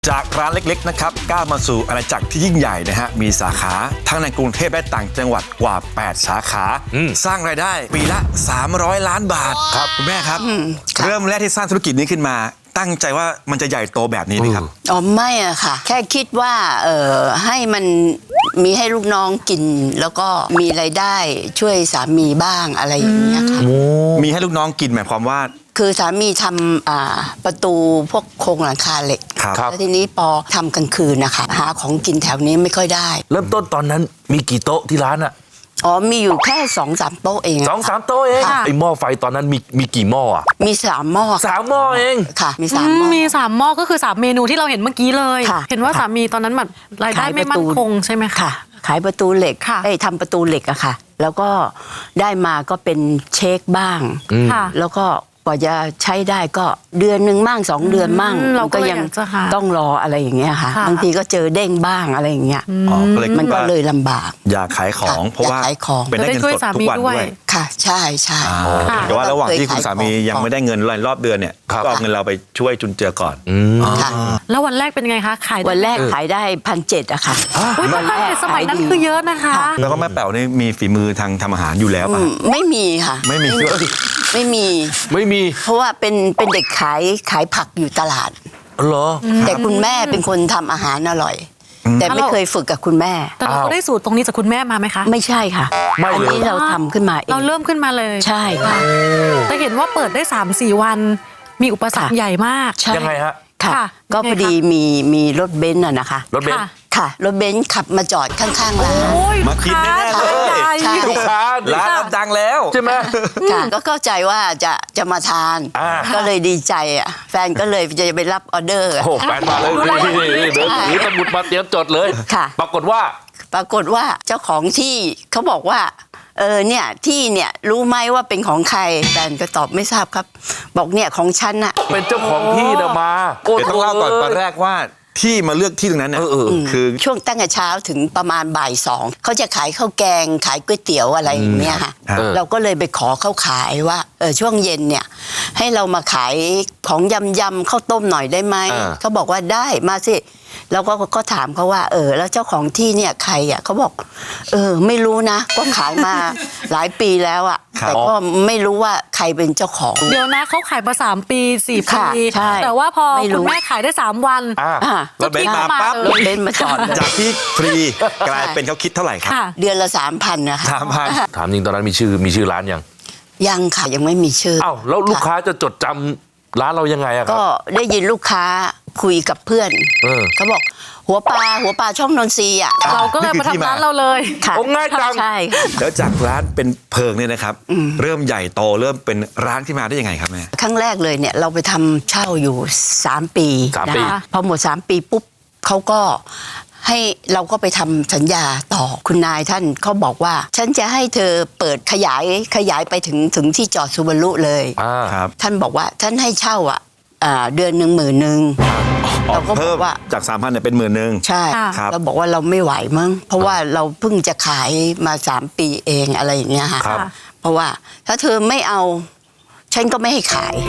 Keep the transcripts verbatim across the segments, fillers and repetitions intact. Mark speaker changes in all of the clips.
Speaker 1: จากร้านเล็กๆนะครับก้าวมาสู่อาณาจักรที่ยิ่งใหญ่นะฮะมีสาขาทั้งในกรุงเทพและต่างจังหวัดกว่าแปดสาขาสร้างรายได้ปีละสามร้อยล้านบาทครับคุณแม่ครับเริ่มแรกที่สร้างธุรกิจนี้ขึ้นมาตั้งใจว่ามันจะใหญ่โตแบบนี้ไหมครับ
Speaker 2: อ๋อไม่อะค่ะแค่คิดว่าเอ่อให้มันมีให้ลูกน้องกินแล้วก็มีรายได้ช่วยสามีบ้างอะไรอย่างเงี้ยค่ะ
Speaker 1: มีให้ลูกน้องกินหมายความว่า
Speaker 2: คือสามีทำอ่าประตูพวกโครงหลังคาเหล็กแล้วทีนี้พอทำกลางคืนนะคะหาของกินแถวนี้ไม่ค่อยได้
Speaker 3: เริ่มต้นตอนนั้นมีกี่โต๊ะที่ร้านอะ
Speaker 2: อ๋อมีอยู่แค่สองสามโต๊ะเอง
Speaker 3: สองสามโต๊ะเองไอหม้อไฟตอนนั้นมีมีกี่หม้ออะ
Speaker 2: มีสามหม้อ
Speaker 3: สามหม้อเอง
Speaker 2: ค่ะมีสามหม้อ
Speaker 4: มีสามหม้อก็คือสามเมนูที่เราเห็นเมื่อกี้เลยเห็นว่าสามีตอนนั้นแบบรายได้ไม่มั่นคงใช่ไหมคะ
Speaker 2: ขายประตูเหล็กไอ้ทำประตูเหล็กอะค่ะแล้วก็ได้มาก็เป็นเช็คบ้างแล้วก็กว่าจะใช้ได้ก็เดือนหนึ่งมั่งสองเดือนมั่งเราก็ยังต้องรออะไรอย่างเงี้ยค่ะบางทีก็เจอเด้งบ้างอะไรอย่างเงี้ยมันก็เลยลำบาก
Speaker 1: อยากขายของเพราะว่าเป็นได้เงินสดทุกวันด้วย
Speaker 2: ค่ะใช่ใช่
Speaker 1: แต่ว่าระหว่างที่คุณสามียังไม่ได้เงินรอบเดือนเนี่ยก็เอาเงินเราไปช่วยจุนเจือก่อน
Speaker 4: แล้ววันแรกเป็นไงคะขาย
Speaker 2: วันแรกขายได้พันเจ็ดอะค่ะ
Speaker 4: วันแรกสมัยนั้นคือเยอะนะคะ
Speaker 1: แล้วก็แม่แป๋วนี่มีฝีมือทางทำอาหารอยู่แล้วป่ะ
Speaker 2: ไม่มีค่ะ
Speaker 1: ไม่มี
Speaker 2: ไม่มี
Speaker 3: ไม่มี
Speaker 2: เพราะว่าเป็นเป็นเด็กขายขายผักอยู่ตลาด
Speaker 3: เหรอ
Speaker 2: แต่คุณแม่เป็นคนทำอาหารอร่อยแต่ไม่เคยฝึกกับคุณแม่
Speaker 4: แต่เราได้สูตรตรงนี้จากคุณแม่มาไหมคะ
Speaker 2: ไม่ใช่ค่ะอันนี้เราทำขึ้นมาเอง
Speaker 4: เราเริ่มขึ้นมาเลย
Speaker 2: ใช่ค่ะ
Speaker 4: แต่เห็นว่าเปิดได้สามสี่วันมีอุปสรรคใหญ่มาก
Speaker 3: ยังไงฮะ
Speaker 2: ค่ะก็พอดีมีมีรถเบนซ์อะนะคะ
Speaker 3: รถเบนซ์
Speaker 2: ค่ะรถเบนซ์ขับมาจอดข้างๆร้าน
Speaker 1: มากินแน่เลยลูกค้าร้านดังแล้ว
Speaker 3: ใช่ไหม
Speaker 2: ค่ะก็เข้าใจว่าจะจะมาทานก็เลยดีใจอ่ะแฟนก็เลยจะไปรับออเดอร์
Speaker 3: โอ้แฟนมาเลยนี่เดี๋ยวถือสมุดมาเตรียมจดเลย
Speaker 2: ค่ะ
Speaker 3: ปรากฏว่า
Speaker 2: ปรากฏว่าเจ้าของที่เขาบอกว่าเออเนี่ยที่เนี่ยรู้ไหมว่าเป็นของใครแฟนก็ตอบไม่ทราบครับบอกเนี่ยของฉันอะ
Speaker 3: เป็นเจ้าของที่นะมา
Speaker 1: เดี๋ยวต้องเล่าก่อนตอนแรกว่าที่มาเลือกที่ตรงนั้นเนี่ยคือ
Speaker 2: ช่วงตั้งแต่เช้าถึงประมาณบ่ายสองเขาจะขายข้าวแกงขายก๋วยเตี๋ยวอะไรอย่างเงี้ยค่ะเราก็เลยไปขอเขาขายว่าเออช่วงเย็นเนี่ยให้เรามาขายของยำยำข้าวต้มหน่อยได้ไหมเขาบอกว่าได้มาสิแล้วก็ก็ถามเขาว่าเออแล้วเจ้าของที่เนี่ยใครอ่ะเขาบอกเออไม่รู้นะก็ขายมาหลายปีแล้วอ่ะแต่ก็ไม่รู้ว่าใครเป็นเจ้าของ
Speaker 4: เดี๋ยวนะเขาขายมาสามปีสี่ปีแต่ว่าพอคุณแม่ขายได้สามวัน
Speaker 1: รถเบนซ์มาปั๊บ
Speaker 2: รถเบนซ์มาจอด
Speaker 1: จากที่ฟรีกลายเป็นเขาคิดเท่าไหร่ครับ
Speaker 2: เดือนละสามพันนะคะ
Speaker 1: สามพัน
Speaker 3: ถามจริงตอนนั้นมีชื่อมีชื่อร้านยัง
Speaker 2: ยังค่ะยังไม่มีชื่อ
Speaker 3: อ้าวแล้วลูกค้าจะจดจำร้านเรายังไงอะครับ
Speaker 2: ก็ได้ยินลูกค้าคุยกับเพื่อนเขาบอกหัวปลาหัวปลาช่องนนทรีอ่ะ
Speaker 4: เราก็เลยมาทำร้านเราเลย
Speaker 2: ค่ะ
Speaker 3: ง่ายจัง
Speaker 2: ใช่
Speaker 1: แล้วจากร้านเป็นเพิงเนี่ยนะครับเริ่มใหญ่โตเริ่มเป็นร้านที่มาได้ยังไงครับแม่
Speaker 2: ครั้งแรกเลยเนี่ยเราไปทำเช่าอยู่สามปีนะคะพอหมดสามปีปุ๊บเขาก็ให้เราก็ไปทำสัญญาต่อคุณนายท่านเขาบอกว่าฉันจะให้เธอเปิดขยายขยายไปถึงถึงที่จอดซูบารุเลยท่านบอกว่าท่านให้เช่าอ่ะเดือนหนึ่งหมื่นหนึ่ง
Speaker 1: เราก็บอกว่าจากสามพันเนี่ยเป็นหมื่นหนึ่ง
Speaker 2: ใช่เราบอกว่าเราไม่ไหวมั้งเพราะว่าเราเพิ่งจะขายมาสามปีเองอะไรอย่างเงี้ยค่ะเพราะว่าถ้าเธอไม่เอาฉันก็ไม่ให้ขาย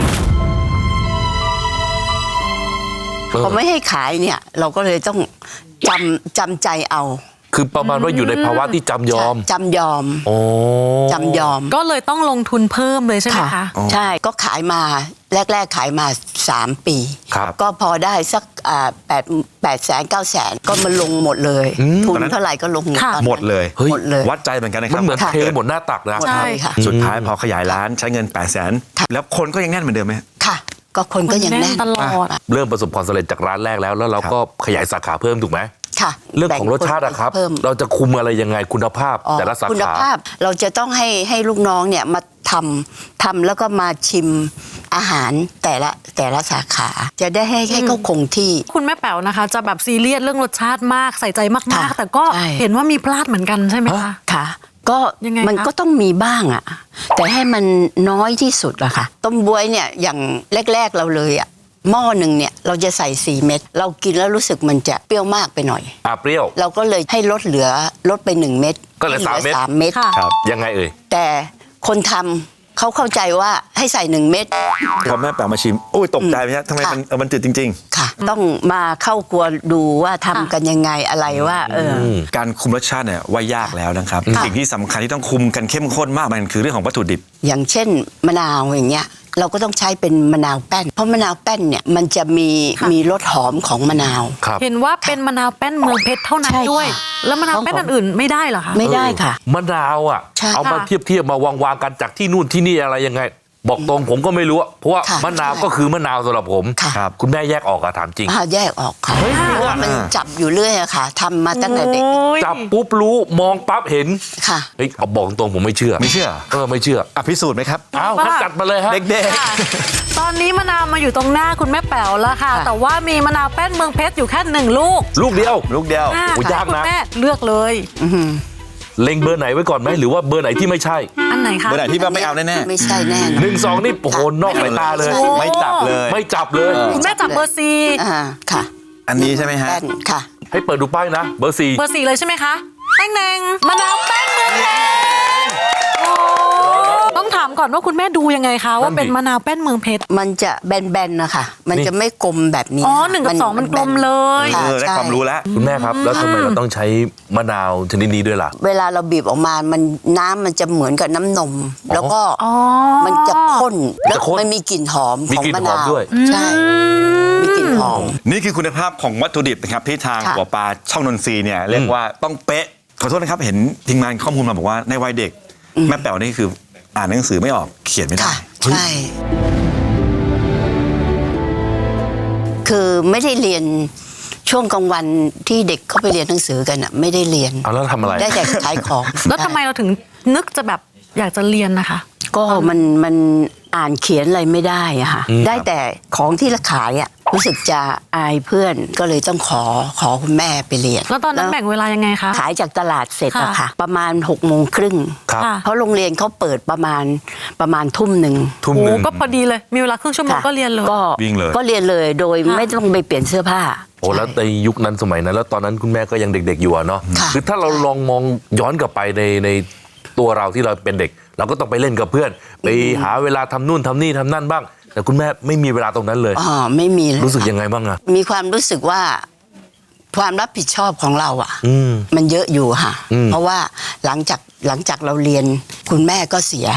Speaker 2: พอไม่ให้ขายเนี่ยเราก็เลยต้องจำจำใจเอา
Speaker 3: คือประมาณว่าอยู่ในภาวะที่จำยอม
Speaker 2: จำยอมจำยอม
Speaker 4: ก็เลยต้องลงทุนเพิ่มเลยใช่ไหมคะ
Speaker 2: ใช่ก็ขายมาแรกๆขายมาสามปีก็พอได้สักแปดแปดแสนเก้าแสนก็มาลงหมดเลยทุนเท่าไหร่ก็ลง
Speaker 1: หมดเลย
Speaker 2: หมดเลย
Speaker 1: วัดใจเหมือนกันนะครับ
Speaker 3: มันเหมือนเทหมดหน้าตักนะ
Speaker 2: ใช่ค่ะ
Speaker 1: สุดท้ายพอขยายร้านใช้เงินแปดแสนแล้วคนก็ยังแน่นเหมือนเดิมไหม
Speaker 2: ค่ะก็คนก็ยังแน่น
Speaker 4: ตลอด
Speaker 3: เริ่มประสบความสำเร็จจากร้านแรกแล้วแล้วเราก็ขยายสาขาเพิ่มถูกไหม
Speaker 2: ค่ะ
Speaker 3: เรื่องของรสชาติอะครับเราจะคุมอะไรยังไงคุณภาพแต่ละสาขา
Speaker 2: คุณภาพเราจะต้องให้ให้ลูกน้องเนี่ยมาทำทำแล้วก็มาชิมอาหารแต่ละแต่ละสาขาจะได้ให้ให้เขาคงที่
Speaker 4: คุณแม่แป๋วนะคะจะแบบซีเรียสเรื่องรสชาติมากใส่ใจมากๆแต่ก็เห็นว่ามีพลาดเหมือนกันใช่ไหมคะ
Speaker 2: ค่ะก็มันก็ต้องมีบ้างอะแต่ให้มันน้อยที่สุดอะค่ะต้มบ๊วยเนี่ยอย่างแรกๆเราเลยอะหม้อหนึ่งเนี่ยเราจะใส่สี่เม็ดเรากินแล้วรู้สึกมันจะเปรี้ยวมากไปหน่อย
Speaker 3: อ่าเปรี้ยว
Speaker 2: เราก็เลยให้ลดเหลือลดไปหนึ่งเม็ด
Speaker 3: ก็เหลือสามเม็ด
Speaker 2: สามเม็ด
Speaker 3: ยังไงเอ่ย
Speaker 2: แต่คนทเขาเข้าใจว่าให้ใส่หนึ่งเม็ด
Speaker 1: พอแม่แป๋วมาชิมโอ้ยตกใจไหมฮะทำไมมันเออมันจืดจริง
Speaker 2: ค่ะ ต้องมาเข้าครัวดูว่าทำกันยังไงอะไรว่า เออ
Speaker 1: ๆ การคุมรสชาติเนี่ยว่ายากแล้วนะครับสิ่งที่สำคัญที่ต้องคุมกันเข้มข้นมากมันคือเรื่องของวัตถุดิบ
Speaker 2: อย่างเช่นมะนาวอย่างเงี้ยเราก็ต้องใช้เป็นมะนาวแป้น เพราะมะนาวแป้นเนี่ยมันจะมีมีรสหอมของมะนาว
Speaker 3: ครับ
Speaker 4: เห็นว่าเป็นมะนาวแป้นเมืองเพชรเท่านั้น
Speaker 2: ใช่ค่ะ
Speaker 4: ด้วย แล้วมะนาวแป้นอันอื่นไม่ได้เหรอคะ
Speaker 2: ไม่ได้ค่ะ
Speaker 3: มะนาวอ่ะ
Speaker 2: ใช่
Speaker 3: เอามา
Speaker 4: ค่ะ
Speaker 3: เทียบเทียบมาวางวางกันจากที่นู่นที่นี่อะไรยังไง บอกตรงผมก็ไม่รู้อะเพราะว่า
Speaker 2: ค่ะ
Speaker 3: มะนาว
Speaker 2: ใช่
Speaker 3: ก็คือมะนาวสำหรับผม
Speaker 2: ค่ะ
Speaker 1: ครับ
Speaker 3: คุณแม่แยกออกอะถามจริง
Speaker 2: อ่าแยกออกค่ะเพราะว่ามันจับอยู่เรื่อยอะค่ะทำมาตั้งแต่เด็ก
Speaker 4: โอ้ย
Speaker 3: จับปุ๊บรู้มองปั๊บเห็น
Speaker 2: ค่ะ
Speaker 3: เฮ้ยเอาบอกตรงผมไม่เชื่อ
Speaker 1: ไม่เชื่อ
Speaker 3: เออไม่เชื่อ
Speaker 1: อ่ะพิสูจน์ไหมครับ
Speaker 3: อ้าวงั้นจัดมาเลยฮะ
Speaker 1: เด็ก
Speaker 4: ค่ะตอนนี้มะนาวมาอยู่ตรงหน้าคุณแม่แป๋วแล้วค่ะ
Speaker 2: ค่ะ
Speaker 4: แต่ว่ามีมะนาวแป้นเมืองเพชรอยู่แค่หนึ่งลูก
Speaker 3: ลูกเดียว
Speaker 1: ๆ ลูกเดียว
Speaker 4: อ่ะ
Speaker 3: โอ้ยากนะ
Speaker 4: คุณแม่เลือกเลย
Speaker 3: เล็งเบอร์ไหนไว้ก่อนไหมหรือว่าเบอร์ไหนที่ไม่ใช่
Speaker 4: อันไหนคะ
Speaker 1: เมื่อไหร่ที่ว่าไม่เอาแน่
Speaker 2: ไม่ใช่แน่นอน
Speaker 3: หนึ่งสองนี่โอ้โหนอกสายตาเลย
Speaker 2: ใช่
Speaker 1: ๆ ไม่จับเลย
Speaker 3: ไม่จับเลย
Speaker 4: คุณแม่จับเบอร์ซี
Speaker 2: อ่าค่ะ
Speaker 1: อันนี้ใช่ไหมฮะ
Speaker 2: แป้นค่ะ
Speaker 3: ให้เปิดดูป้ายนะ เบอร์สี่
Speaker 4: เบอร์สี่เลยใช่ไหมคะแป้งแดงมะนาวแป้นเมืองเพชรโอ้ต้องถามก่อนว่าคุณแม่ดูยังไงคะว่าเป็นมะนาวแป้นเมืองเพชร
Speaker 2: มันจะแบนๆนะคะมันจะไม่กลมแบบนี้
Speaker 4: อ๋อหนึ่งกับสองมันกลมเลย
Speaker 2: ค่ะ
Speaker 1: เออได้
Speaker 2: ใช่
Speaker 1: ความรู้แล้ว
Speaker 3: คุณแม่ครับ แล้วทำไมเราต้องใช้มะนาวชนิดนี้ด้วยล่ะ
Speaker 2: เวลาเราบีบออกมามันน้ำมันจะเหมือนกับน้ำนม แล้วก็
Speaker 4: อ๋อ
Speaker 2: มันจะข้นแล้ว
Speaker 3: จะข้น
Speaker 2: มันมีกลิ่นหอม
Speaker 3: มี
Speaker 2: ของ
Speaker 3: กลิ่น
Speaker 2: มะ
Speaker 3: หอม
Speaker 2: นาว
Speaker 3: ด้วย
Speaker 2: ใช่มีกลิ่นหอม
Speaker 1: นี่คือคุณภาพของวัตถุดิบนะครับที่ทาง
Speaker 2: ค่ะ
Speaker 1: หัวปลาช่องนนทรีย์เนี่ยเรียกว่าต้องเป๊ะขอโทษนะครับเห็นทีมงานข้อมูลมาบอกว่าในวัยเด็ก แม่แป๋วนี่คืออ่านหนังสือไม่ออกเขียนไม่ได้
Speaker 2: ค่ะใช่ คือไม่ได้เรียนช่วงกลางวันที่เด็กเข้าไปเรียนหนังสือกันอ่ะไม่ได้เรียน
Speaker 3: เอาแล้วทำอะไร
Speaker 2: ได้แต่ขายของ
Speaker 4: แล้วทำไมเราถึงนึกจะแบบอยากจะเรียนนะคะ
Speaker 2: ก็มันมันอ่านเขียนอะไรไม่ได้อะค่ะ
Speaker 3: อืม
Speaker 2: ได้แต่ของที่เราขายอ่ะรู้สึกจะอายเพื่อนก็เลยต้องขอขอคุณแม่ไปเรียน
Speaker 4: แล้วตอนนั้นแบ่งเวลายังไงคะ
Speaker 2: ขายจากตลาดเสร็จอะ
Speaker 4: ค่ะ
Speaker 2: ค่ะ ประมาณหกโมงครึ่ง
Speaker 3: ครับ
Speaker 4: ค่ะ
Speaker 2: เพราะโรงเรียนเขาเปิดประมาณประมาณทุ่มหนึ่ง
Speaker 1: ทุ่ม
Speaker 4: โอ้
Speaker 1: หนึ่ง
Speaker 4: ก็พอดีเลย มีเวลาครึ่งชั่วโมง
Speaker 2: ค่ะ
Speaker 4: ก็เรียนเลย
Speaker 2: ก็
Speaker 1: วิ่งเลย
Speaker 2: ก็เรียนเลยโดย
Speaker 4: ค่ะ
Speaker 2: ไม่ต้องไปเปลี่ยนเสื้อผ้า
Speaker 3: โอ้แล้วในยุคนั้นสมัยนั้น แล้วตอนนั้นคุณแม่ก็ยังเด็ก ๆ อยู่อะเนาะ
Speaker 2: ค่ะ
Speaker 3: คือถ้าเราลองมองย้อนกลับไปในในตัวเราที่เราเป็นเด็ก เราก็ต้องไปเล่นกับเพื่อน ไปหาเวลาทำนู่นทำนี่ทำนั่นบ้าง แต่คุณแม่ไม่มีเวลาตรงนั้นเลย
Speaker 2: อ๋อไม่มีเลย
Speaker 3: รู้สึก
Speaker 2: ค่ะ
Speaker 3: ยังไงบ้างอะ
Speaker 2: มีความรู้สึกว่าความรับผิดชอบของเราอ่ะ
Speaker 3: อืม
Speaker 2: มันเยอะอยู่ค่ะ
Speaker 3: อืม
Speaker 2: เพราะว่าหลังจากหลังจากเราเรียนคุณแม่ก็เสีย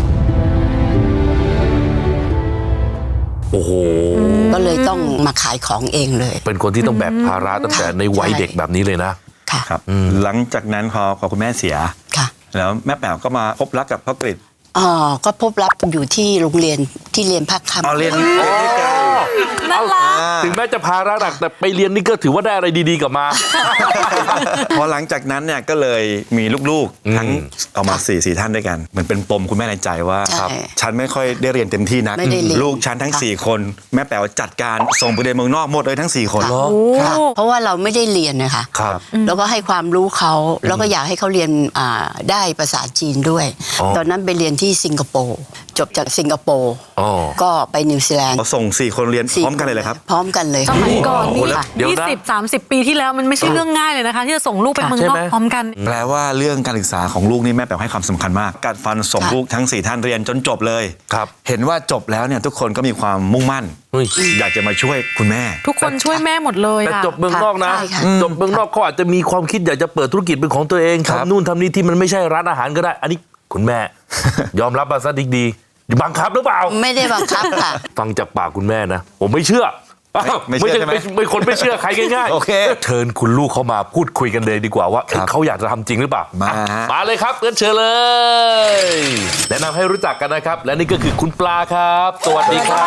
Speaker 3: โอ้โห
Speaker 2: ก็เลยต้องมาขายของเองเลย
Speaker 3: เป็นคนที่ต้องแบกภาระตั้งแต่ในวัย
Speaker 2: ใช่
Speaker 3: เด็กแบบนี้เลยนะ
Speaker 2: ค่ะ
Speaker 1: ครับหลังจากนั้นพอพอคุณแม่เสีย
Speaker 2: ค่ะ
Speaker 1: แล้วแม่แป๋วก็มาพบรักกับพ่อกฤษ
Speaker 2: อ๋อก็พบรับอยู่ที่โรงเรียนที่เรียนภาคค่ำ
Speaker 1: เอาเรียนเรียนด้วยกัน
Speaker 4: น่ารัก
Speaker 3: ถึงแม้จะภาระหนักแต่ไปเรียนนี่ก็ถือว่าได้อะไรดีๆกลับมา
Speaker 1: พอหลังจากนั้นเนี่ยก็เลยมีลูกๆ ทั้งออกมาสี่สี่ท่านด้วยกันเหมือนเป็นปมคุณแม่ในใจว่า
Speaker 2: ใช่
Speaker 1: ฉันไม่ค่อยได้เรียนเต็มที่นัก
Speaker 2: ไม่ได้เรียน
Speaker 1: ลูกฉันทั้ง
Speaker 2: ค่ะ
Speaker 1: สี่คน แม่แป๋วจัดการส่งไปเรียนเมืองนอกหมดเลยทั้งสี่คน
Speaker 3: เหรอ
Speaker 2: ค่ะเพราะว่าเราไม่ได้เรียนนะคะ
Speaker 3: ครับ
Speaker 2: แล้วก็ให้ความรู้เขาแล้วก็อยากให้เขาเรียนอ่าได้ภาษาจีนด้วย
Speaker 3: อ๋อ
Speaker 2: ตอนนั้นไปเรียนที่สิงคโปร์จบจากสิงคโปร์
Speaker 3: อ๋อ
Speaker 2: ก็ไปนิวซีแลนด์
Speaker 1: เขาส่งสี่คนเรียนพร้อมกันเลยเลยครับ
Speaker 2: พร้อมกันเลย
Speaker 4: สมัยก่อน
Speaker 3: โอ้โห
Speaker 4: นี่
Speaker 3: แล้วเดี๋ยว
Speaker 4: ยี่
Speaker 3: นะ
Speaker 4: สิบสามสิบปีที่แล้วมันไม่ใช่เรื่องง่ายเลยนะคะ ที่จะส่งลูกไปเมือง
Speaker 3: ใช่
Speaker 4: นอ
Speaker 3: ไห
Speaker 4: ก
Speaker 3: ม
Speaker 4: พร้อมกัน
Speaker 1: แปลว่าเรื่องการศึกษาของลูกนี่แม่แป๋วให้ความสำคัญมากการฟันส่ง
Speaker 2: ค่ะ
Speaker 1: ลูกทั้งสี่ท่านเรียนจนจบเลย
Speaker 3: ครับ
Speaker 1: เห็นว่าจบแล้วเนี่ยทุกคนก็มีความมุ่งมั่น
Speaker 3: เฮ้ย
Speaker 1: อยากจะมาช่วยคุณแม่
Speaker 4: ทุกคนช่วยแม่หมดเลย
Speaker 3: แต่
Speaker 4: อะ
Speaker 3: จบเมืองนอกนะ
Speaker 2: ใช่ค่ะ
Speaker 3: จบเมืองนอกเขาอาจจะมีความคิดอยากจะเปิดธุรกิจเป็นของตัวเอง
Speaker 1: ครับ
Speaker 3: ทำนู่นทำนี่ที่มันไม่ใช่ร้านอาหารก็ได้ อันนี้คุณแม่ ยอมรับมาซะดีๆบังคับหรือเปล่า
Speaker 2: ไม่ได้บังคับค่ะ
Speaker 3: ฟังจากปากคุณแม่นะ ผมไม่เชื่ออ้าว
Speaker 1: ไม่เชื่อ
Speaker 3: ใช่
Speaker 1: ใช่ไหม
Speaker 3: ไม่ไม่คนไม่เชื่อใครง่ายๆ
Speaker 1: โอเค
Speaker 3: เชิญคุณลูกเขามาพูดคุยกันเลยดีกว่าว่าเอ๊ะ
Speaker 1: ครับ
Speaker 3: เขาอยากจะทำจริงหรือเปล่า
Speaker 1: มา
Speaker 3: อ่ะ
Speaker 1: ฮะ
Speaker 3: มาเลยครับเชิญเชิญเลย แนะนำให้รู้จักกันนะครับ และนี่ก็คือคุณปลาครับ สวัสดีครับ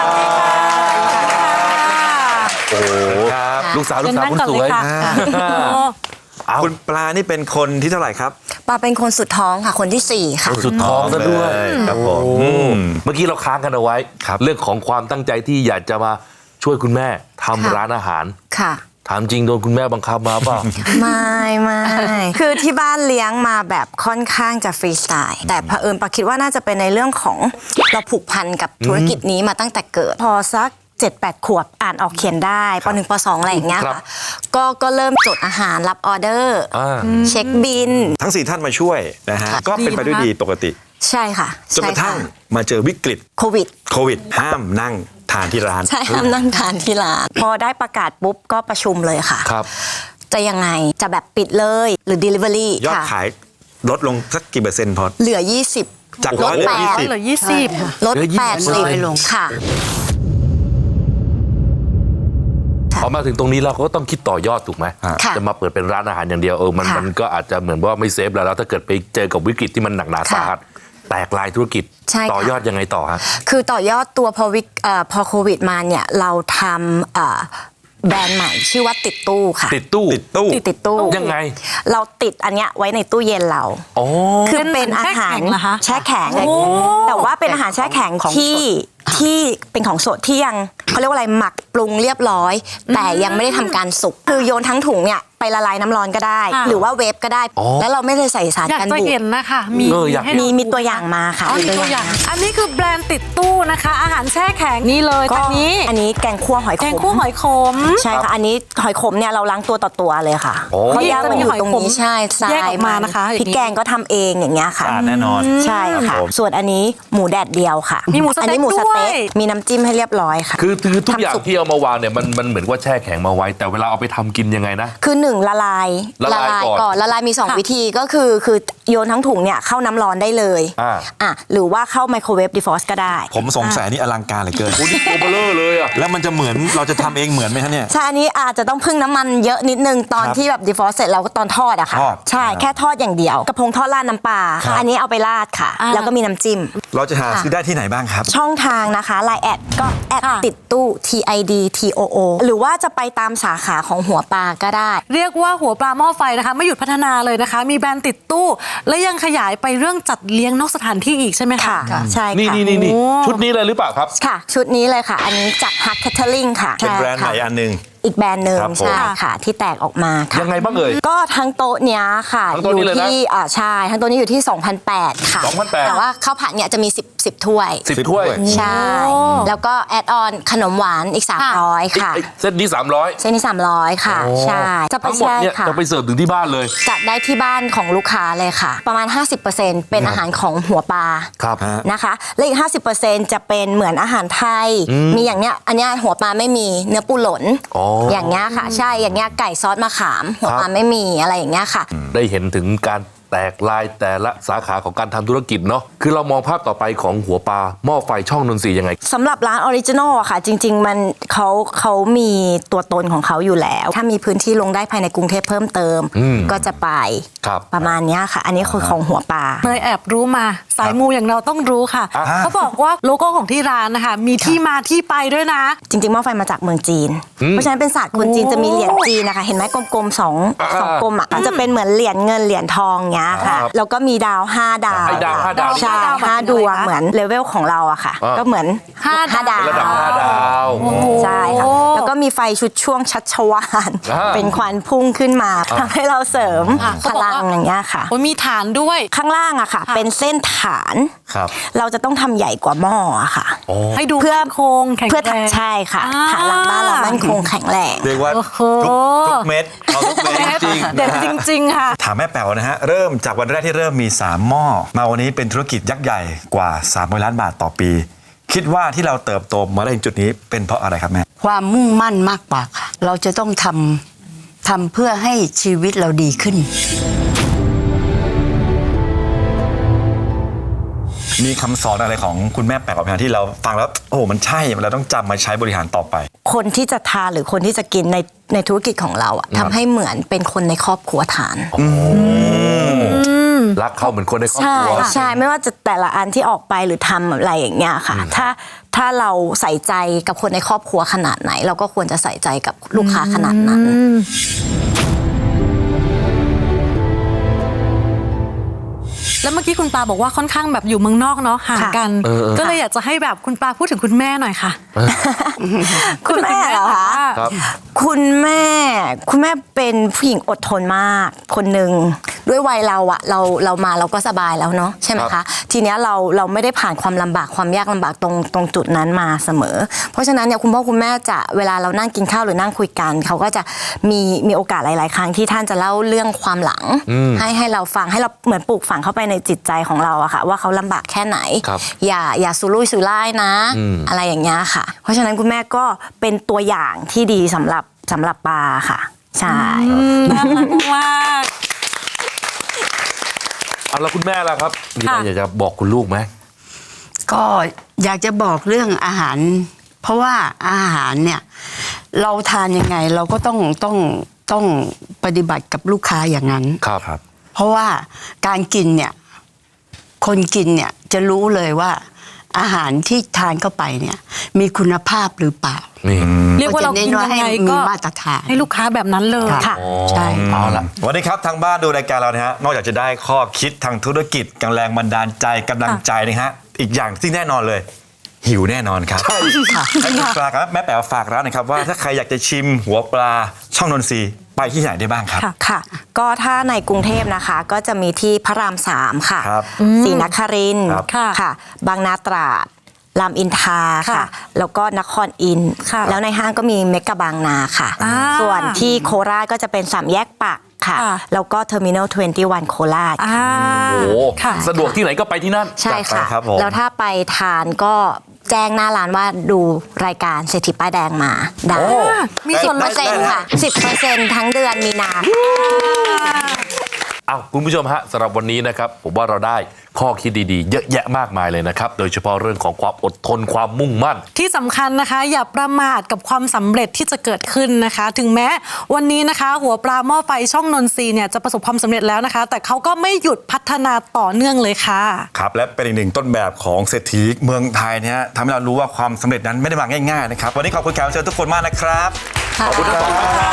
Speaker 3: โอ้โห
Speaker 1: ครับ
Speaker 3: ลูกสาวลูกสาว
Speaker 4: เชิญ
Speaker 3: คุณ
Speaker 4: นั่ง
Speaker 3: ส
Speaker 4: ก่อน
Speaker 3: วย
Speaker 4: เลยค่ะ
Speaker 3: อ่า
Speaker 4: โอ้
Speaker 3: เอา
Speaker 1: คุณปลานี่เป็นคนที่เท่าไหร่ครับ
Speaker 5: ปาเป็นคนสุดท้องค่ะ คนที่สี่ค่ะ
Speaker 3: สุดท้องซะด้วย
Speaker 1: เลยครับผม
Speaker 3: โอ้
Speaker 1: อืม
Speaker 3: เมื่อกี้เราค้างกันเอาไว้
Speaker 1: ครับ
Speaker 3: เรื่องของความตั้งใจที่อยากจะมาช่วยคุณแม่ทำ
Speaker 5: ค่ะ
Speaker 3: ร้านอาหาร
Speaker 5: ค่ะ
Speaker 3: ถามจริงโดนคุณแม่บังคับมาเปล่า
Speaker 5: ไม่ไม่คือที่บ้านเลี้ยงมาแบบค่อนข้างจะฟรีสไตล์แต่เผอิญปาคิดว่าน่าจะเป็นในเรื่องของเราผูกพันกับธุรกิจนี้มาตั้งแต่เกิด พอสักเจ็ดแปดขวบอ่านออกเขียนได้ปหนึ่งปสองอะไรอย่างเงี้ย
Speaker 3: ครับ
Speaker 5: ค่ะก็ก็เริ่มจดอาหารรับออเดอร์
Speaker 3: อ่า
Speaker 5: เช็คบิน
Speaker 1: ทั้งสี่ท่านมาช่วยนะฮะ
Speaker 2: ค่ะ
Speaker 1: ก็เป็นไปด้วยดีปกติ
Speaker 5: ใช่ค่ะ
Speaker 1: จนกระทั่ง
Speaker 5: ใช่ค่
Speaker 1: มาเจอวิกฤต
Speaker 5: โควิด
Speaker 1: โควิด ห้ามนั่งทานที่ร้าน
Speaker 5: ใช่ห้ามนั่งทานที่ร้านพอได้ประกาศปุ๊บก็ประชุมเลยค่ะ
Speaker 3: ครับ
Speaker 5: จะยังไงจะแบบปิดเลยหรือ Delivery
Speaker 1: ยอด
Speaker 5: ค่ะ
Speaker 1: ขายลดลงสักกี่เปอร์เซ็นต์พอ
Speaker 5: เหลือ ยี่สิบ
Speaker 1: จาก
Speaker 5: ล
Speaker 1: ร้อ
Speaker 5: ด
Speaker 1: ยเหลือ
Speaker 5: แป
Speaker 1: ยี่
Speaker 5: ด
Speaker 1: สิบ
Speaker 4: เหลือยี่สิบ
Speaker 5: ลด
Speaker 3: เหลือยี่สิบ
Speaker 5: แปดสิบ
Speaker 2: ลง
Speaker 5: ค่ะ
Speaker 3: พอมาถึงตรงนี้เราก็ต้องคิดต่อยอดถูกไหม
Speaker 5: ค่ะ
Speaker 3: จะมาเปิดเป็นร้านอาหารอย่างเดียวเออมัน
Speaker 5: ค่ะ
Speaker 3: มันก็อาจจะเหมือนว่าไม่เซฟแล้วแล้วถ้าเกิดไปเจอกับวิกฤตที่มันหนักหนาสาหัสแตกลายธุรกิจ
Speaker 5: ใช่ค่ะ
Speaker 3: ต่อยอดยังไงต่อฮะ
Speaker 5: คือต่อยอดตัวพอวิกเอ่อพอโควิดมาเนี่ยเราทำเอ่อแบรนด์ใหม่ชื่อว่าติดตู้ค่ะ
Speaker 3: ติดตู้
Speaker 1: ติดตู้
Speaker 5: ติดตู้
Speaker 3: ยังไง
Speaker 5: เราติดอันเนี้ยไว้ในตู้เย็นเรา
Speaker 3: อ๋อ
Speaker 5: คือเป็นอาหาร
Speaker 4: เป็นเหมือนแช่แข็งเหรอคะ
Speaker 5: แช่แข็ง
Speaker 4: โอ้
Speaker 5: แต่ว่าเป็นอาหารแช่แข็ง
Speaker 2: ของ
Speaker 5: ที่
Speaker 2: สด
Speaker 5: ที่เป็นของสดที่ยังเขาเรียกว่าอะไรหมักปรุงเรียบร้อย แต่ยังไม่ได้ทำการสุกคือโยนทั้งถุงเนี่ยไปละลายน้ำร้อนก็ได้
Speaker 4: ค่ะ
Speaker 5: หรือว่าเวฟก็ได้
Speaker 3: อ๋อ
Speaker 5: แล้วเราไม่ได้ใส่สาร
Speaker 4: อยาก
Speaker 5: กัน
Speaker 4: จะ
Speaker 5: บูด
Speaker 4: เห็นนะคะมี
Speaker 3: เอออยาก
Speaker 4: ให้
Speaker 5: มี
Speaker 4: เรา
Speaker 5: มีตัวอย่างมาค่ะ
Speaker 4: อ๋อมีตัวอย่าง อันนี้คือแบรนด์ติดตู้นะคะ อาหารแช่แข็งนี่เลย
Speaker 5: ก็
Speaker 4: อันนี้
Speaker 5: อันนี้แกงคั่วหอยข
Speaker 4: แกง
Speaker 5: ม
Speaker 4: คั่วหอยขม
Speaker 5: ใช่ค่ะ อันนี้หอยขมเนี่ยเราล้างตัวต่อตัวเลยค่ะ
Speaker 3: โอ้
Speaker 5: เพราะย่างมันอยู่ตรงนี้
Speaker 4: จะมีหอยขม
Speaker 5: ใช่ทราย
Speaker 4: แยกออกมานะคะ
Speaker 5: พริกแกงก็ทำเองอย่างเงี้ยค่ะ
Speaker 1: สะอาดแน่นอน
Speaker 5: ใช่ค่ะ
Speaker 1: ผม
Speaker 5: ส่วนอันนี้หมูแดดเดียวค่ะ
Speaker 4: มีหมูสเต็ก
Speaker 5: อันนี้หมูสเต๊ก
Speaker 4: ด้วย
Speaker 5: มีน้ำจิ้มให้เรียบร้อยค่ะ
Speaker 3: คือคือทุก
Speaker 5: ทำ
Speaker 3: อย่าง
Speaker 5: สุก
Speaker 3: ที่เอามาวางเนี่ยมันมันเหมือนว่าแช่แข็งมาไว้ แต่เวลาเอาไปทำกินยังไงนะ
Speaker 5: คือหนึ่งละลาย
Speaker 3: ละลายก่อน
Speaker 5: ละลายมีสอง
Speaker 4: ค่ะ
Speaker 5: วิธีก็คือคือโยนทั้งถุงเนี่ยเข้าน้ำร้อนได้เลย
Speaker 3: อ่า
Speaker 5: อ่ะหรือว่าเข้าไมโครเวฟดีฟรอสต์ก็ได้
Speaker 1: ผมสงสัยนี่อลังการเหลือเกิน
Speaker 3: โอ้นี่ตัวเบลอเลยอ่ะ
Speaker 1: แล้วมันจะเหมือนเราจะทำเองเหมือนไหมฮะเนี่ย
Speaker 5: ใช่ อันนี้อาจจะต้องพึ่งน้ำมันเยอะนิดนึงตอน
Speaker 1: ครับ
Speaker 5: ที่แบบดีฟรอสต์เสร็จเราก็ตอนทอดอะค่ะ
Speaker 1: ทอด
Speaker 5: ใช่
Speaker 1: ครับ
Speaker 5: แค่ทอดอย่างเดียว กระพงทอดราดน้ำปลา
Speaker 1: ครับ
Speaker 5: อันนี้เอาไปราดค่ะ
Speaker 4: อ่า
Speaker 5: แล้วก็มีน้ำจิ้ม
Speaker 1: เราจะหาซื้อได้ที่ไหนบ้างครับ
Speaker 5: ช่องทางนะคะไลน์แอดก็แอด
Speaker 4: ค่ะ
Speaker 5: ติดตู้ T I D T O O หรือว่าจะไปตามสาขาของหัวปลาก็ได้
Speaker 4: เรียกว่าหัวปลาหม้อไฟนะคะ ไม่หยุดพัฒนาเลยนะคะ มีแบรนด์ติดตู้ และยังขยายไปเรื่องจัดเลี้ยงนอกสถานที่อีกใช่ไหมคะ
Speaker 5: ค่ะ ใช่
Speaker 3: นี่
Speaker 5: ค่ะ
Speaker 3: นี่นี่นี่
Speaker 4: โอ้
Speaker 3: ชุดนี้เลยหรือเปล่าครับ
Speaker 5: ค่ะ ชุดนี้เลยค่ะ อันนี้จาก Hut Catering ค่ะ
Speaker 1: เป็นแบรนด์ไหน
Speaker 5: ใช่ค่ะ
Speaker 1: อันหนึ่ง
Speaker 5: อีกแบรนด์หนึ่ง
Speaker 3: ครับผม
Speaker 5: ใช่ค่ะ ที่แตกออกมาค่ะ
Speaker 3: ยังไงบ้างเอ่ย
Speaker 5: ก็ทั้งโต๊ะเนี้ยค่ะ
Speaker 3: ทั้งโต๊ะนี้
Speaker 5: อยู่
Speaker 3: เลยนะ
Speaker 5: ที่อ่าใช่ทั้งโต๊ะนี้อยู่ที่ สองพันแปดร้อย ค่ะ
Speaker 3: สองพันแปดร้อย
Speaker 5: แต่ว่าข้าวผัดเนี่ยจะมี 10 10 ถ้วย
Speaker 3: สิบถ้วย
Speaker 5: ใช่ แล้วก็แอดออนขนมหวานอีก สามร้อย ค่ะ
Speaker 3: ไอ้เซตนี้สามร้อย
Speaker 5: เส้นนี้ สามร้อย ค่ะ ใช่ จะไป
Speaker 3: ทั้งหมด
Speaker 5: ใช่
Speaker 3: เนี่ย
Speaker 5: ค่ะ
Speaker 3: จะไปเสิร์ฟถึงที่บ้านเลย
Speaker 5: จัดได้ที่บ้านของลูกค้าเลยค่ะ ประมาณ ห้าสิบเปอร์เซ็นต์ เป็นอาหารของหัวปลา
Speaker 3: ครับ
Speaker 5: นะคะ และอีก ห้าสิบเปอร์เซ็นต์ จะเป็นเหมือนอาหารไทย มีอย่างเนี้ย อันเนี้ยหัวปลาไม่มีเนื้อปูหล่น
Speaker 3: อ๋อ
Speaker 5: อ
Speaker 3: อย่าง
Speaker 5: เงี้ยค่ะ ใช่ อย่างเงี้ยไก่ซอสมะขาม หัวปลา
Speaker 3: ครับ
Speaker 5: ไม่มีอะไรอย่างเงี้ยค่ะ
Speaker 3: ได้เห็นถึงการแตกลายแต่ละสาขาของการทำธุรกิจเนาะคือเรามองภาพต่อไปของหัวปลาหม้อไฟช่องนนทรีย์ยังไง
Speaker 5: สำหรับร้านออริจินอลอะค่ะ จริง ๆ มันเขาเขามีตัวตนของเขาอยู่แล้ว ถ้ามีพื้นที่ลงได้ภายในกรุงเทพเพิ่มเติม
Speaker 3: อืม
Speaker 5: ก็จะไป
Speaker 3: ครับ
Speaker 5: ประมาณเนี้ยค่ะ อันนี้คือของหัวปลา
Speaker 4: เนยแอบรู้มาสายมูอย่างเราต้องรู้ค่ะ
Speaker 3: อ่า
Speaker 4: เขาบอกว่าโลโก้ของที่ร้านนะคะ มีที่มาที่ไปด้วยนะ
Speaker 5: จริงๆหม้อไฟมาจากเมืองจีน เพราะฉะนั้นเป็นศาสตร์คนจีนจะมีเหรียญจีนนะคะ เห็นไหมกลมๆสอง
Speaker 3: อ่า
Speaker 5: สองกลมอ่ะจะเป็นเหมือนเหรียญเงินเหรียญทองเงี้ยค่ะ
Speaker 3: ครับ
Speaker 5: แล้วก็มีดาวห้าดาว
Speaker 3: ไอ้ดาวห้าดาว
Speaker 5: ใช่
Speaker 4: ดาวแบบ
Speaker 5: ห้า
Speaker 4: ไหน
Speaker 5: ดวง
Speaker 4: คะ
Speaker 5: เหมือนเลเวลของเราอะค่ะ
Speaker 3: อ่า
Speaker 5: ก็เหมือน
Speaker 4: ห้า
Speaker 5: ห้าดาว
Speaker 3: ระดับห้าดาว
Speaker 5: ใช่ค่ะ แล้วก็มีไฟชุดช่วงชัชวาล
Speaker 3: อ่า
Speaker 5: เป็นควันพุ่งขึ้นมาทำให้เราเสริม
Speaker 4: อ่ะ
Speaker 5: พ
Speaker 4: เขาบอก
Speaker 5: ลัง
Speaker 4: ว่า
Speaker 5: อย่างเงี้ยค่ะ
Speaker 4: โอ้ยมีฐานด้วย
Speaker 5: ข้างล่างอะค่ะ
Speaker 4: ค่ะ
Speaker 5: เป็นเส้นฐาน
Speaker 1: ครับ
Speaker 5: เราจะต้องทำใหญ่กว่าหม้ออะค่ะ
Speaker 4: ให้ดู
Speaker 5: เพื่อ
Speaker 4: มั่นคงแข็ง
Speaker 5: เพื่อ
Speaker 4: แรง
Speaker 5: ใช่ค่ะ
Speaker 4: อ่า
Speaker 5: ฐานหลังบ้านเรามั่นคงแข็งแรง
Speaker 1: เรียกว่า
Speaker 4: โอ้โห
Speaker 1: ทุกทุกเม็ดเอาทุกเม็ดจริงๆ
Speaker 4: เด็ด
Speaker 1: นะฮะ
Speaker 4: จริง ๆ ค่ะ
Speaker 1: ถามแม่แป๋วนะฮะ เริ่มจากวันแรกที่เริ่มมี สาม หม้อ มาวันนี้เป็นธุรกิจยักษ์ใหญ่กว่าสามร้อยล้านบาทต่อปี คิดว่าที่เราเติบโตมาได้ถึงจุดนี้เป็นเพราะอะไรครับแม่
Speaker 2: ความมุ่งมั่นมากกว่าค่ะ เราจะต้องทำทำเพื่อให้ชีวิตเราดีขึ้น
Speaker 1: มีคำสอนอะไรของคุณแม่แป๋วไหมฮะที่เราฟังแล้วโอ้โหมันใช่เราต้องจำมาใช้บริหารต่อไป
Speaker 5: คนที่จะทานหรือคนที่จะกินในในธุรกิจของเราอะทำให้เหมือนเป็นคนในครอบครัวทาน
Speaker 3: รักเขาเหมือนคนในครอบ
Speaker 5: ใช่
Speaker 3: ครัว
Speaker 5: ใช่ไม่ว่าจะแต่ละอันที่ออกไปหรือทำอะไรอย่างเงี้ยค่ะ ถ้าถ้าเราใส่ใจกับคนในครอบครัวขนาดไหน เราก็ควรจะใส่ใจกับลูกค้าขนาดนั้น
Speaker 4: แล้วเมื่อกี้คุณปลาบอกว่าค่อนข้างแบบอยู่เมืองนอกเนาะห่างกัน
Speaker 3: เออเออ
Speaker 4: ก็เลยอยากจะให้แบบคุณปลาพูดถึงคุณแม่หน่อยค่ะ
Speaker 5: คุณแม่เหรอคะ
Speaker 3: ครับ
Speaker 5: คุณแม่คุณแม่เป็นผู้หญิงอดทนมาก คนหนึ่งด้วยวัยเราอะเราเรามาเราก็สบายแล้วเนาะใช่ไหม
Speaker 1: ครั
Speaker 5: คะ
Speaker 1: บ
Speaker 5: ทีเนี้ยเราเราไม่ได้ผ่านความลำบากความยากลำบากตรงตรงจุดนั้นมาเสมอ เพราะฉะนั้นเนี่ยคุณพ่อคุณแม่จะเวลาเรานั่งกินข้าวหรือนั่งคุยกันเขาก็จะมีมีโอกาสหลาย ๆ ครั้งที่ท่านจะเล่าเรื่องความหลัง ให้ให้เราฟังให้เราเหมือนปลูกฝังเข้าไปในจิตใจของเราอะค่ะว่าเขาลำบากแค่ไหน
Speaker 3: ครับ
Speaker 5: อย่าอย่าสุรุ่ยสุร่ายนะ อะไรอย่างเงี้ยค่ะ เพราะฉะนั้นคุณแม่ก็เป็นตัวอย่างที่ดีสำหรับสำหรับปาค่ะใช่
Speaker 4: น่ารักมาก
Speaker 3: เอาแล้วคุณแม่ล่ะครับมีอะไร
Speaker 4: ค่ะ
Speaker 3: อยากจะบอกคุณลูกไหม
Speaker 2: ก็อยากจะบอกเรื่องอาหาร เพราะว่าอาหารเนี่ยเราทานยังไงเราก็ต้องต้องต้องปฏิบัติกับลูกค้าอย่างนั้น
Speaker 3: ครับครับ
Speaker 2: เพราะว่าการกินเนี่ยคนกินเนี่ยจะรู้เลยว่าอาหารที่ทานเข้าไปเนี่ยมีคุณภาพหรือเปล่า
Speaker 3: นี่
Speaker 4: เรียกว่าเรากินยังไง
Speaker 2: ให้
Speaker 4: ก็
Speaker 2: มีมาตรฐาน
Speaker 4: ให้ลูกค้าแบบนั้นเลย
Speaker 2: ค่ะ
Speaker 3: อ๋อ
Speaker 2: ใช่
Speaker 3: เอาละ
Speaker 1: วันนี้ครับทางบ้านดูรายการเรานะฮะนอกจากจะได้ข้อคิดทางธุรกิจกำลังบันดาลใจกำลังใจนะฮะอีกอย่างที่แน่นอนเลย หิวแน่นอนครับใช่ค่ะให้คุณปลาครับแม่แป๋วฝากร้านหนะครับว่าถ้าใครอยากจะชิมหัวปลาช่องนนทรีย์ไปที่ไหนได้บ้างครับ
Speaker 4: ค่ะ
Speaker 5: ค่ะ ก็ถ้าในกรุงเทพนะคะก็จะมีที่พระรามสามค่ะ
Speaker 1: ครับ
Speaker 5: ศรีนครินทร์
Speaker 1: ครับ
Speaker 4: ค่ะ
Speaker 5: ค่ะ บางนาตราดรามอินทรา
Speaker 4: ค่ะ
Speaker 5: ค่ะ แล้วก็นครอินทร์
Speaker 4: ค่ะ
Speaker 5: แล้วในห้างก็มีเมกะบางนาค่ะ
Speaker 4: อ่า
Speaker 5: ส่วนที่โคราชก็จะเป็นสามแยกปักค่ะ
Speaker 4: ค่ะ
Speaker 5: แล้วก็เทอร์มินอลยี่สิบเอ็ดโคราช
Speaker 4: อ่า
Speaker 3: โอ้
Speaker 4: ค่ะ
Speaker 3: สะดวกที่ไหนก็ไปที่นั่น
Speaker 5: ใช่ค่ะ
Speaker 1: จัดไปครับผม
Speaker 5: แล้วถ้าไปทานก็แจ้งหน้าร้านว่าดูรายการเศรษฐีป้ายแดงมาได้
Speaker 1: โอ้
Speaker 4: มีส่วนล
Speaker 5: เปอ
Speaker 4: ด
Speaker 5: ร์เซ็นต์ค่ะสิบเปอร์เซ็นต์ทั้งเดือนมีนา
Speaker 3: เอาคุณผู้ชมฮะสำหรับวันนี้นะครับผมว่าเราได้ข้อคิดดีๆ เยอะแยะมากมายเลยนะครับ โดยเฉพาะเรื่องของความอดทนความมุ่งมั่น
Speaker 4: ที่สำคัญนะคะ อย่าประมาทกับความสำเร็จที่จะเกิดขึ้นนะคะ ถึงแม้วันนี้นะคะ หัวปลาหม้อไฟช่องนนทรีย์เนี่ยจะประสบความสำเร็จแล้วนะคะ แต่เขาก็ไม่หยุดพัฒนาต่อเนื่องเลยค่ะ
Speaker 1: ครับและเป็นอีกหนึ่งต้นแบบของเศรษฐีเมืองไทยเนี่ยทำให้เรารู้ว่าความสำเร็จนั้นไม่ได้มาง่ายๆนะครับวันนี้ขอบคุณแขกรับเชิญทุกคนมากนะครับขอบคุณทั้งสองท่านครับ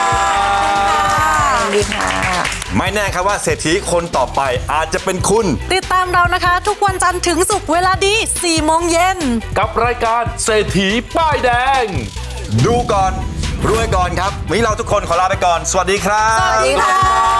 Speaker 5: ดีค่ะ
Speaker 1: ไม่แน่ครับว่าเศรษฐีคนต่อไปอาจจะเป็นคุณ
Speaker 4: ติดตามเรานะคะ ทุกวันจันทร์ถึงศุกร์เวลาดีสี่โมงเย็น
Speaker 3: กับรายการเศรษฐีป้ายแดง
Speaker 1: ดูก่อนรวยก่อนครับวันนี้เราทุกคนขอลาไปก่อน สวัสดีครับ
Speaker 4: สวัสดีค่ะ